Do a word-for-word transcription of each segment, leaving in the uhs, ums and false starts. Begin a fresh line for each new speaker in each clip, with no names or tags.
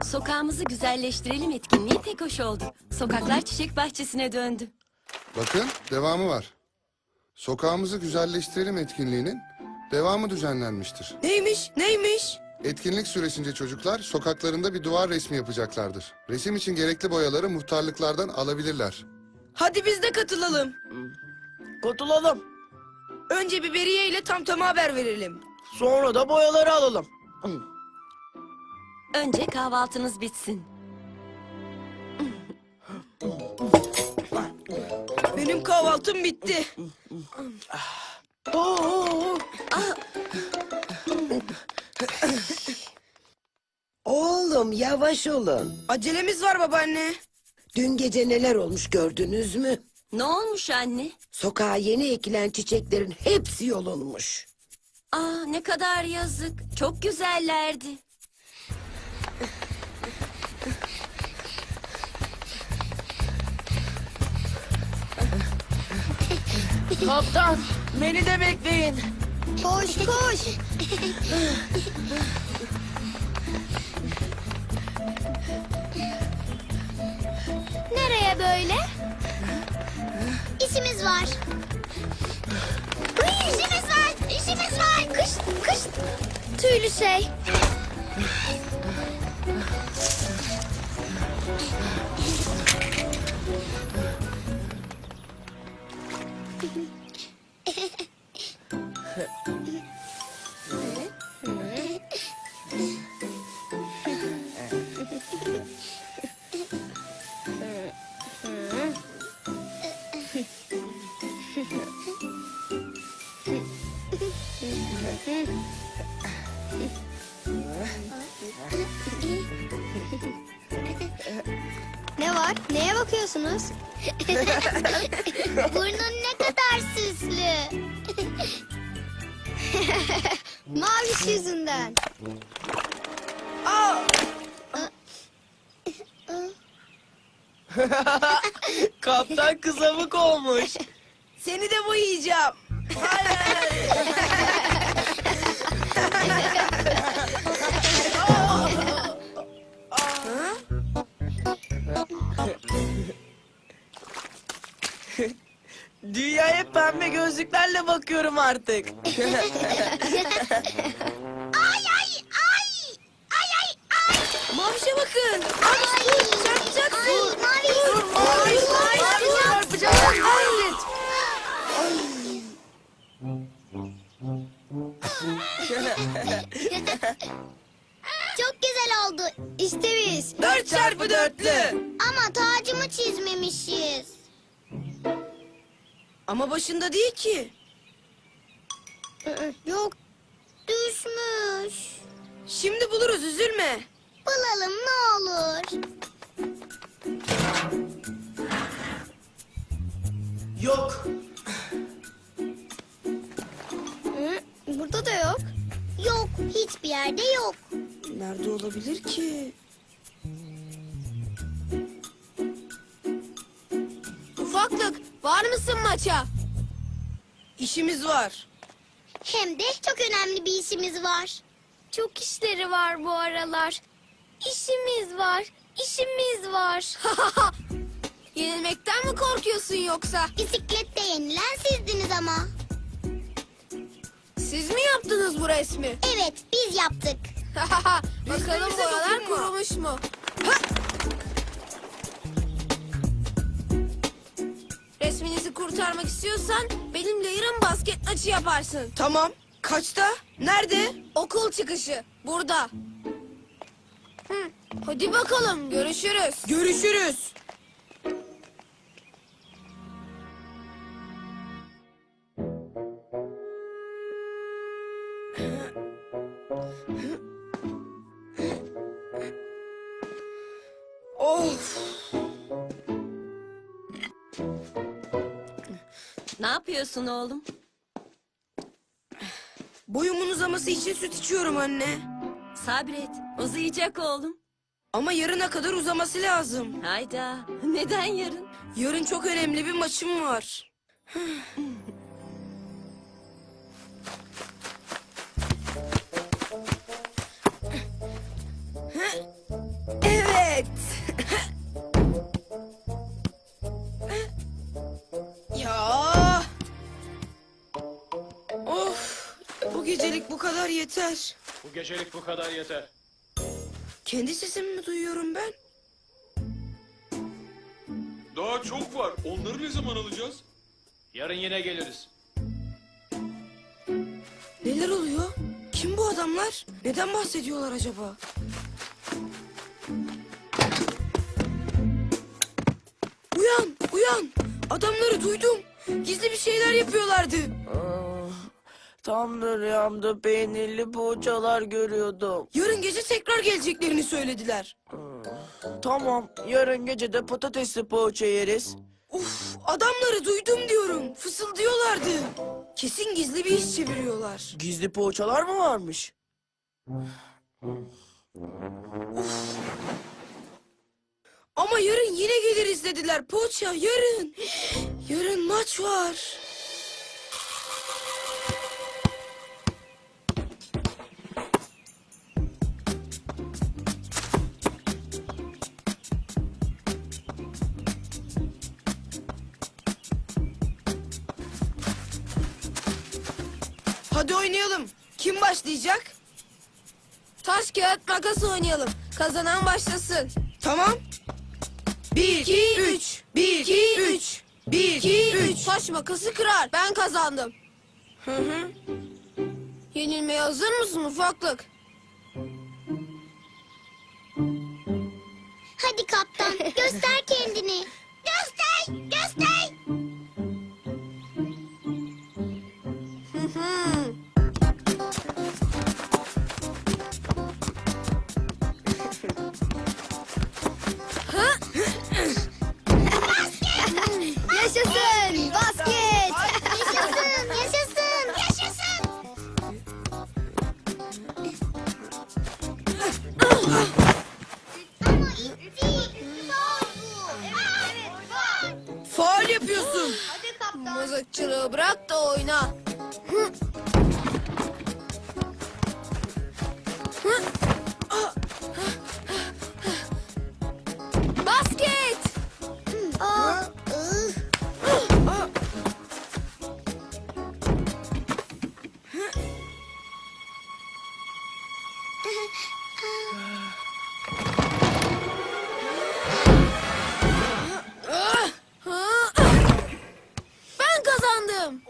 Sokağımızı güzelleştirelim etkinliği tek hoş oldu. Sokaklar çiçek bahçesine döndü.
Bakın devamı var. Sokağımızı güzelleştirelim etkinliğinin devamı düzenlenmiştir.
Neymiş, neymiş?
Etkinlik süresince çocuklar sokaklarında bir duvar resmi yapacaklardır. Resim için gerekli boyaları muhtarlıklardan alabilirler.
Hadi biz de katılalım.
Katılalım.
Önce Biberiye ile Tamtam'a haber verelim.
Sonra da boyaları alalım.
Önce kahvaltınız bitsin.
Benim kahvaltım bitti.
Oo,
Oğlum yavaş olun.
Acelemiz var babaanne.
Dün gece neler olmuş gördünüz mü?
Ne olmuş anne?
Sokağa yeni ekilen çiçeklerin hepsi yolunmuş.
Aa, ne kadar yazık. Çok güzellerdi.
kaptan, beni de bekleyin.
Koş koş. Nereye böyle? İşimiz var. Ay, işimiz var. İşimiz var. Kış kış. Tüylü şey. Ne var? Neye bakıyorsunuz? Burnun ne kadar süslü. Maviş yüzünden.
Aa,
Kaptan kızamık olmuş.
seni de boyayacağım.
Dünyaya pembe gözlüklerle bakıyorum artık.
Ay ay ay. Ay ay ay.
Mavişe bakın.
Ay.
Çarpacaksın.
Ay mavi.
Dur, maviş, maviş, çarpacaksın. Hayret.
Çok güzel oldu. İşte biz.
Dört çarpı dörtlü.
Ama tacımı çizmemişiz.
Ama başında değil ki.
Yok. Düşmüş.
Şimdi buluruz, üzülme.
Bulalım ne olur.
Yok.
Hı, burada da yok. Yok. Hiçbir yerde yok.
Nerede olabilir ki?
Ufaklık, var mısın maça?
İşimiz var.
Hem de çok önemli bir işimiz var. Çok işleri var bu aralar. İşimiz var, işimiz var. Yenilmekten mi korkuyorsun yoksa? Bisiklette yenilen sizdiniz ama.
Siz mi yaptınız bu resmi?
Evet, biz yaptık.
Bakalım
Resmimize
boyalar
dokunma.
kurumuş mu? Resminizi kurtarmak istiyorsan benimle yarın basket maçı yaparsın.
Tamam. Kaçta? Nerede?
Okul çıkışı burada. Hı, hadi bakalım görüşürüz.
Görüşürüz. Of.
Ne yapıyorsun oğlum?
Boyumun uzaması için süt içiyorum anne.
Sabret. Uzayacak oğlum.
Ama yarına kadar uzaması lazım.
Hayda. Neden yarın?
Yarın çok önemli bir maçım var.
Evet.
Ya. Of. Bu gecelik bu kadar yeter.
Bu gecelik bu kadar yeter.
Kendi sesimi mi duyuyorum ben?
Daha çok var. Onları ne zaman alacağız?
Yarın yine geliriz.
Neler oluyor? Kim bu adamlar? Neden bahsediyorlar acaba? Uyan, uyan. Adamları duydum. Gizli bir şeyler yapıyorlardı.
Ah, tam da rüyamda peynirli poğaçalar görüyordum.
Yarın gece tekrar geleceklerini söylediler.
Tamam, yarın gece de patatesli poğaça yeriz.
Uf, adamları duydum diyorum. Fısıldıyorlardı. Kesin gizli bir iş çeviriyorlar.
Gizli poğaçalar mı varmış?
Ama yarın yine geliriz dediler. Poğaça yarın. Yarın maç var. Hadi oynayalım. Kim başlayacak?
Taş kağıt makas oynayalım. Kazanan başlasın.
Tamam. Bir, iki, üç. Bir, iki, üç. Bir, iki, üç.
Taş makası kırar. Ben kazandım.
Hı hı.
Yenilmeye hazır mısın ufaklık?
Hadi kaptan göster kendini. Göster, göster.
Hı hı.
Yaşasın basket. Yaşasın, yaşasın, yaşasın. Ama ilk değil, faul bu. Evet, faul.
Faul yapıyorsun.
Hadi kaptan.
Mızıkçılığı bırak da oyna. Hı. Hı. Basket!
Aa, ıh.
Hı. Ben kazandım.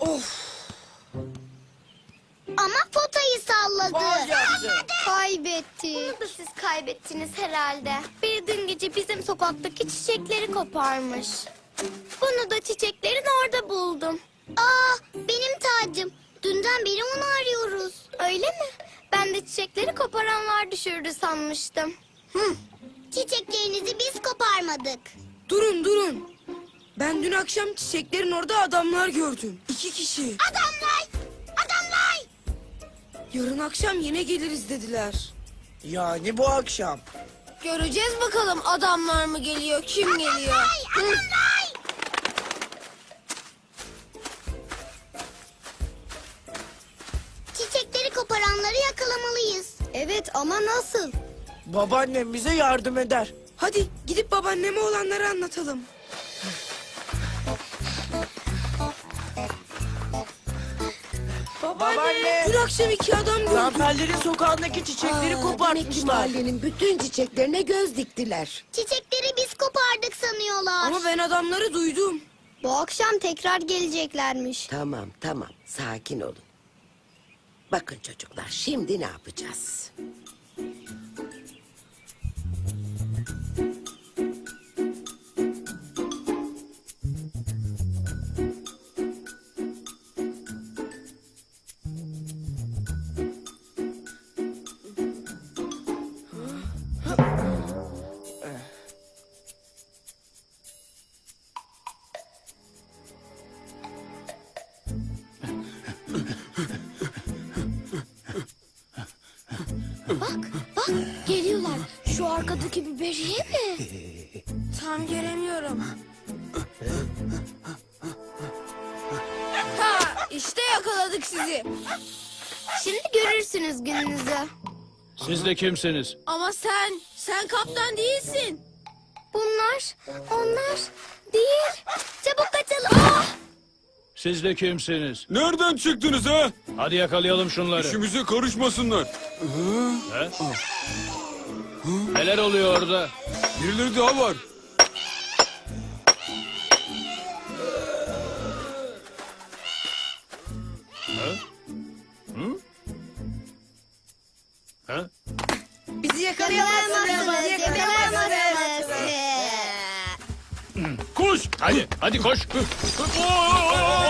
Ama potayı salladı.
Faul yaptı.
Kaybetti. Bunu da siz kaybettiniz herhalde. Bir dün gece bizim sokaktaki çiçekleri koparmış. Bunu da çiçeklerin orada buldum. Aa, benim tacım. Dünden beri onu arıyoruz. Öyle mi? Ben de çiçekleri koparanlar düşürdü sanmıştım. Hı. Çiçeklerinizi biz koparmadık.
Durun durun. Ben dün akşam çiçeklerin orada adamlar gördüm. İki kişi.
Adamlar! Adamlar!
Yarın akşam yine geliriz dediler.
Yani bu akşam.
Göreceğiz bakalım adamlar mı geliyor, kim geliyor. Hı.
Adamlar! Çiçekleri koparanları yakalamalıyız. Evet ama nasıl?
Babaannem bize yardım eder.
Hadi gidip babaanneme olanları anlatalım.
Babaanne.
Dün akşam iki adam gördüm.
Zamperlerin sokağındaki çiçekleri
Aa, demek ki
kopartmışlar.
mahallenin bütün çiçeklerine göz diktiler.
Çiçekleri biz kopardık sanıyorlar.
Ama ben adamları duydum.
Bu akşam tekrar geleceklermiş.
Tamam tamam sakin olun. Bakın çocuklar şimdi ne yapacağız?
Bak geliyorlar. Şu arkadaki biberiye mi?
Tam göremiyorum. Ha, işte yakaladık sizi.
Şimdi görürsünüz gününüzü.
Siz de kimsiniz?
Ama sen, sen kaptan değilsin.
Bunlar, onlar değil. Çabuk kaçalım. Ah!
Siz de kimsiniz?
Nereden çıktınız ha?
Hadi yakalayalım şunları.
İşimize karışmasınlar.
He? Neler oluyor orada?
Birileri daha var.
He?
Bizi yakalayamazsınız. Bizi yakalayamazsınız.
Koş! Hadi, hadi koş!